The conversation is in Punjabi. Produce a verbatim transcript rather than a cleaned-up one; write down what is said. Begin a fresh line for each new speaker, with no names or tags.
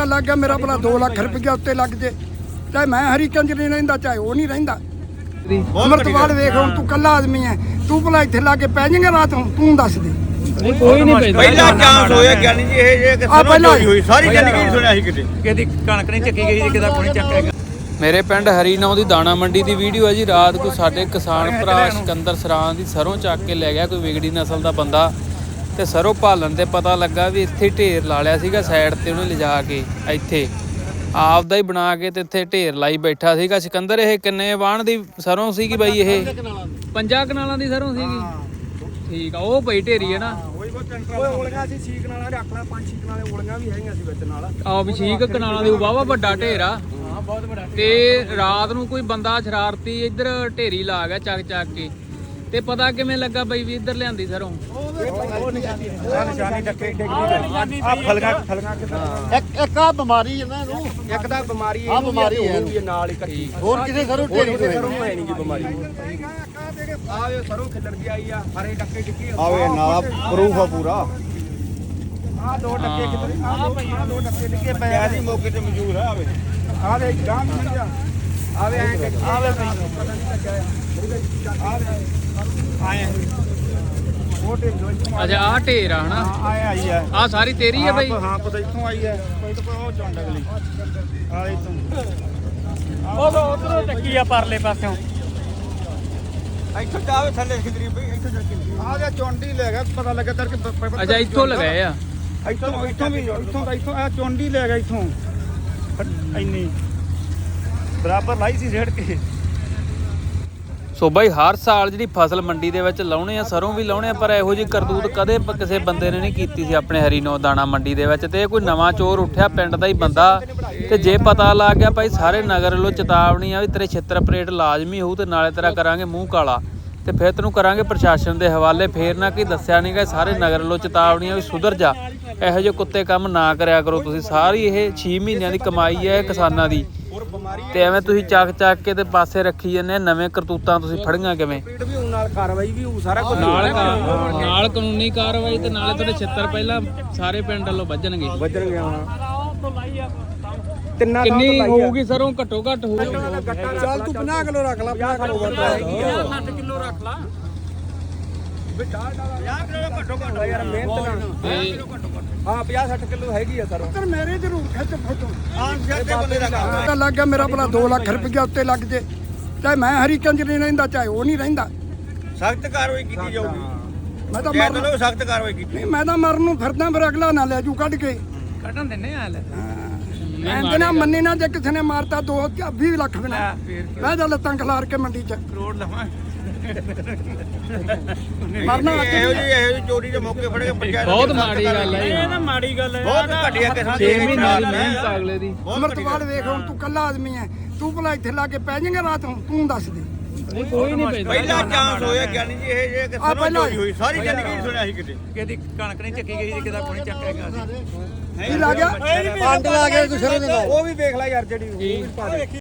ਲੱਗ ਗਿਆ ਮੇਰਾ ਭਲਾ ਦੋ ਲੱਖ ਰੁਪਇਆ ਉੱਤੇ ਲੱਗ ਜੇ, ਚਾਹੇ ਮੈਂ ਹਰੀ ਕੰਜ ਨਹੀਂ ਰਹਿੰਦਾ ਚਾਹੇ ਉਹ ਨਹੀਂ ਰਹਿੰਦਾ। ਅਮਰਤਪਾਲ ਵੇਖ ਹੁਣ ਤੂੰ ਕੱਲਾ ਆਦਮੀ ਹੈ, ਤੂੰ ਭਲਾ ਇੱਥੇ ਲਾ ਕੇ ਪੈ ਜਾਏਗਾ ਰਾਤ ਨੂੰ, ਤੂੰ ਦੱਸ ਦੇ।
ਕੋਈ ਨਹੀਂ ਪੈਂਦਾ
ਪਹਿਲਾ ਚਾਂਸ ਹੋਇਆ ਗਿਆਨੀ ਜੀ ਇਹ ਜੇ ਕਿ ਸਰੋਂ ਹੋਈ ਸਾਰੀ ਜ਼ਿੰਦਗੀ ਸੁਣਿਆ ਸੀ ਕਿਤੇ
ਕਿਹਦੀ ਕਣਕ ਨਹੀਂ ਚੱਕੀ ਗਈ, ਕਿਹਦਾ ਕੋਈ ਚੱਕੇਗਾ।
ਮੇਰੇ ਪਿੰਡ ਹਰੀਨੌ ਦੀ ਦਾਣਾ ਮੰਡੀ ਦੀ ਵੀਡੀਓ ਹੈ ਜੀ। ਰਾਤ ਕੋਈ ਸਾਡੇ ਕਿਸਾਨ ਭਰਾ ਸਿਕੰਦਰ ਸਰਾਂ ਦੀ ਸਰੋਂ ਚੱਕ ਕੇ ਲੈ ਗਿਆ ਕੋਈ ਵਿਗੜੀ ਨਸਲ ਦਾ ਬੰਦਾ, ਤੇ ਸਰੋਂ ਭਾਲਣ ਤੇ ਪਤਾ ਲੱਗਾ ਵੀ ਇੱਥੇ ਢੇਰ ਲਾ ਲਿਆ ਸੀਗਾ ਸਾਈਡ ਤੇ ਉਹਨੇ ਲਿਜਾ ਕੇ, ਇੱਥੇ ਆਪਦਾ ਹੀ ਬਣਾ ਕੇ ਤੇ ਇੱਥੇ ਢੇਰ ਲਾਈ ਬੈਠਾ ਸੀਗਾ ਸਿਕੰਦਰ। ਇਹ ਕਿੰਨੇ ਵਾਹਣ ਦੀ ਸਰੋਂ ਸੀਗੀ ਬਾਈ? ਇਹ
ਪੰਜਾਂ ਕਨਾਲਾਂ ਦੀ ਸਰੋਂ ਸੀਗੀ। ਠੀਕ ਆ, ਉਹ ਪਈ ਢੇਰੀ ਹੈ ਨਾ।
ਓਏ ਓਲੀਆਂ ਸੀ ਛੇ ਕਨਾਲਾਂ ਰੱਖ ਲੈ, ਪੰਜ ਛੇ ਕਨਾਲਾਂ ਓਲੀਆਂ ਵੀ ਹੈਗੀਆਂ ਸੀ ਵਿੱਚ ਨਾਲ।
ਆਹ ਵੀ ਛੇ ਕਨਾਲਾਂ ਦੀ ਵਾਵਾ ਵੱਡਾ ਢੇਰ ਆ।
ਬਹੁਤ ਵੱਡਾ।
ਤੇ ਰਾਤ ਨੂੰ ਕੋਈ ਬੰਦਾ ਸ਼ਰਾਰਤੀ ਇੱਧਰ ਢੇਰੀ ਲਾ ਗਿਆ ਚੱਕ ਚੱਕ ਕੇ। ਤੇ ਪਤਾ ਕਿਵੇਂ ਲੱਗਾ ਬਈ ਵੀ ਇੱਧਰ ਲਿਆਂਦੀ ਸਰੋਂ?
ਉਹ ਨਿਸ਼ਾਨੀ ਟੱਕੇ ਡਿੱਗਦੀ ਆ ਫਲਗਾ ਫਲਗਾ
ਇੱਕ ਇੱਕ ਆ ਬਿਮਾਰੀ ਹੈ ਨਾ ਇਹਨੂੰ,
ਇੱਕ ਤਾਂ ਬਿਮਾਰੀ
ਆ ਬਿਮਾਰੀ ਹੈ
ਇਹ ਨਾਲ ਹੀ ਇਕੱਠੀ,
ਹੋਰ ਕਿਸੇ ਸਰੋਂ ਢੇਰੀ ਤੋਂ
ਸਰੋਂ ਹੈ ਨਹੀਂ ਜੀ ਬਿਮਾਰੀ। ਆਵੇ ਸਰੋਂ ਖਿਲਰ ਦੀ ਆਈ ਆ, ਹਰੇ ਟੱਕੇ ਡਿੱਗੇ
ਆਵੇ ਨਾਲ ਪ੍ਰੂਫ ਆ ਪੂਰਾ।
ਆ ਦੋ ਟੱਕੇ ਕਿਤੇ ਆ ਦੋ ਦੋ ਟੱਕੇ ਡਿੱਗੇ ਪਏ ਆ
ਜੀ ਮੌਕੇ ਤੇ ਮੌਜੂਦ ਆ। ਆਵੇ
ਆਵੇ ਗਾਂ ਨਹੀਂ ਜਾ ਆਵੇ ਐਂ ਆਵੇ ਪਤਾ ਨਹੀਂ ਲੱਗਿਆ ਆਵੇ ਆਏ ਛੋਟੇ ਦੋਈ
ਅੱਛਾ ਆਹ ਢੇਰ ਆ ਹਨਾ,
ਆਏ ਆਈ ਆ
ਆਹ ਸਾਰੀ ਤੇਰੀ ਹੈ ਬਈ?
ਹਾਂ ਪਤਾ ਇੱਥੋਂ ਆਈ ਹੈ, ਕੋਈ ਤਾਂ ਉਹ ਚੌਂਡ ਅਗਲੀ ਆਲੇ ਤੋਂ
ਉਹ ਉਧਰੋਂ ਟੱਕੀ ਆ ਪਰਲੇ ਪਾਸਿਓਂ।
ਇੱਥੋਂ ਜਾਵੇ ਥੱਲੇ ਖਿਦਰੀ ਬਈ, ਇੱਥੋਂ ਜਾ ਕੇ
ਆ ਜਾ ਚੌਂਡੀ ਲੈ ਗਿਆ, ਪਤਾ ਲੱਗਾ ਤਰ ਕਿ
ਅੱਛਾ ਇੱਥੋਂ ਲਗਾਏ ਆ।
ਇੱਥੋਂ ਇੱਥੋਂ ਵੀ ਇੱਥੋਂ ਦਾ ਇੱਥੋਂ ਆ ਚੌਂਡੀ ਲੈ ਗਿਆ ਇੱਥੋਂ ਇੰਨੀ ਬਰਾਬਰ ਲਾਈ ਸੀ ਰੇੜ ਕੇ।
ਸੋ ਬਾਈ ਹਰ ਸਾਲ ਜਿਹੜੀ ਫਸਲ ਮੰਡੀ ਦੇ ਵਿੱਚ ਲਾਉਣੇ ਆ, ਸਰੋਂ ਵੀ ਲਾਉਣੇ ਆ, ਪਰ ਇਹੋ ਜਿਹੀ ਕਰਤੂਤ ਕਦੇ ਕਿਸੇ ਬੰਦੇ ਨੇ ਨਹੀਂ ਕੀਤੀ ਸੀ ਆਪਣੇ ਹਰੀਨੌ ਦਾਣਾ ਮੰਡੀ ਦੇ ਵਿੱਚ। ਤੇ ਇਹ ਕੋਈ ਨਵਾਂ ਚੋਰ ਉੱਠਿਆ ਪਿੰਡ ਦਾ ਹੀ ਬੰਦਾ, ਤੇ ਜੇ ਪਤਾ ਲੱਗ ਗਿਆ ਭਾਈ ਸਾਰੇ ਨਗਰ ਵੱਲੋਂ ਚੇਤਾਵਨੀ ਆ ਵੀ ਤੇਰੇ ਛਿੱਤਰ ਪਰੇਡ ਲਾਜ਼ਮੀ ਹੋਊ, ਤੇ ਨਾਲੇ ਤੇਰਾ ਕਰਾਂਗੇ ਮੂੰਹ ਕਾਲਾ, ਤੇ ਫਿਰ ਤੈਨੂੰ ਕਰਾਂਗੇ ਪ੍ਰਸ਼ਾਸਨ ਦੇ ਹਵਾਲੇ। ਫੇਰ ਨਾ ਕਿ ਦੱਸਿਆ ਨਹੀਂ ਗਾ, ਸਾਰੇ ਨਗਰ ਵੱਲੋਂ ਚੇਤਾਵਨੀ ਆ ਵੀ ਸੁਧਰ ਜਾ, ਇਹੋ ਜਿਹੇ ਕੁੱਤੇ ਕੰਮ ਨਾ ਕਰਿਆ ਕਰੋ ਤੁਸੀਂ। ਸਾਰੀ ਇਹ ਛੇ ਮਹੀਨਿਆਂ ਦੀ ਕਮਾਈ ਹੈ ਕਿਸਾਨਾਂ ਦੀ, ਤੇ ਐਵੇਂ ਤੁਸੀਂ ਚੱਕ ਚੱਕ ਕੇ ਤੇ ਪਾਸੇ ਰੱਖੀ ਜਾਂਦੇ। ਨਵੇਂ ਕਰਤੂਤਾਂ ਤੁਸੀਂ ਫੜੀਆਂ ਕਿਵੇਂ?
ਵੀ ਉਹ ਨਾਲ ਕਾਰਵਾਈ ਵੀ ਉਹ ਸਾਰਾ ਕੁਝ
ਨਾਲ ਨਾਲ ਕਾਨੂੰਨੀ ਕਾਰਵਾਈ, ਤੇ ਨਾਲੇ ਤੁਹਾਡੇ ਛਿੱਤਰ ਪਹਿਲਾਂ ਸਾਰੇ ਪਿੰਡ ਵੱਲੋਂ ਵੱਜਣਗੇ
ਵੱਜਣਗੇ। ਹੁਣ ਤਿੰਨਾਂ
ਕਿੰਨੀ ਹੋਊਗੀ ਸਰੋਂ? ਘੱਟੋ ਘੱਟ ਹੋਊਗੀ।
ਚੱਲ ਤੂੰ ਪੰਜਾਹ ਕਿਲੋ ਰੱਖ ਲੈ, ਪੰਜਾਹ ਕਿਲੋ
ਸੱਠ ਕਿਲੋ ਰੱਖ ਲਾ।
ਪੰਜਾਹ ਕਿਲੋ ਘੱਟੋ ਘੱਟ ਯਾਰ, ਮਿਹਨਤ ਨਾਲ। ਹਾਂ ਪੰਜਾਹ ਸੱਠ ਕਿਲੋ ਹੈਗੀ ਆ ਸਰ। ਪਰ ਮੇਰੇ ਜ਼ਰੂਰ ਖਿੱਚ ਫੋਟੋ
ਆਨ ਸਿਰ ਤੇ ਬੰਦੇ ਦਾ ਕੰਮ
ਤਾਂ ਲੱਗ ਗਿਆ ਮੇਰਾ ਭਲਾ ਦੋ ਲੱਖ ਰੁਪਇਆ ਉੱਤੇ ਲੱਗ ਜੇ, ਚਾਹੇ ਮੈਂ ਹਰੀ ਕੰਜ ਨਹੀਂ ਰਹਿੰਦਾ ਚਾਹੇ ਉਹ ਨਹੀਂ ਰਹਿੰਦਾ।
ਸਖਤ ਕਾਰਵਾਈ ਕੀਤੀ ਜਾਊਗੀ।
ਮੈਂ ਤਾਂ
ਕਹਿ
ਮਰਨ
ਦੋ ਸਖਤ ਕਾਰਵਾਈ ਕੀਤੀ।
ਨਹੀਂ, ਮੈਂ ਤਾਂ ਮਰਨ ਨੂੰ ਫਿਰਦਾ, ਫਿਰ ਅਗਲਾ ਨਾ ਲੈ ਜੂ ਕੱਢ ਕੇ।
ਕੱਢਣ ਦਿੰਨੇ ਆ ਲੈ
ਐਂਦੇ ਨਾ ਮੰਨੇ ਨਾ, ਜੇ ਕਿਸੇ ਨੇ ਮਾਰਤਾ ਦੋ ਵੀਹ ਲੱਖ ਬਣਾ ਮੈਂ ਤਾਂ ਲੱਤਾਂ ਖਿਲਾਰ ਕੇ ਮੰਡੀ ਚ
ਕਰੋੜ ਲਵਾਂ
ਮਰਨਾ
ਇਹੋ ਜਿਹੀ ਇਹੋ ਜਿਹੀ ਚੋਰੀ ਦੇ ਮੌਕੇ ਫੜੇ ਪੰਚਾਇਤ
ਬਹੁਤ ਮਾੜੀ ਗੱਲ ਹੈ ਇਹ ਤਾਂ
ਮਾੜੀ ਗੱਲ ਹੈ। ਬਹੁਤ ਘਟਿਆ ਕਿਸਾਨ
ਛੇ ਮਹੀਨਿਆਂ ਦੀ ਮਿਹਨਤ ਅਗਲੇ ਦੀ।
ਅਮਰਤਪਾਲ ਵੇਖ ਹੁਣ ਤੂੰ ਕੱਲਾ ਆਦਮੀ ਹੈ, ਤੂੰ ਭਲਾ ਇੱਥੇ ਲਾ ਕੇ ਪੈ ਜਾਏਗਾ ਰਾਤ ਨੂੰ, ਤੂੰ ਦੱਸ ਦੇ।
ਕੋਈ ਨਹੀਂ ਪੈਂਦਾ
ਪਹਿਲਾ ਚਾਂਸ ਹੋਇਆ ਗਿਆਨੀ ਜੀ ਇਹ ਜੇ ਕਿ ਸਰੋਂ ਹੋਈ ਸਾਰੀ ਜ਼ਿੰਦਗੀ ਸੁਣਿਆ ਸੀ ਕਿਤੇ।
ਕਿਹਦੀ ਕਣਕ ਨਹੀਂ ਚੱਕੀ ਗਈ, ਕਿਹਦਾ ਕੋਈ ਚੱਕੇਗਾ।
ਕੀ ਲਾ ਗਿਆ
ਪੰਡ ਲਾ ਕੇ ਕੋਈ ਸਰੋਂ ਦੇ ਨਾਲ।
ਉਹ ਵੀ ਵੇਖ ਲੈ ਯਾਰ ਜਿਹੜੀ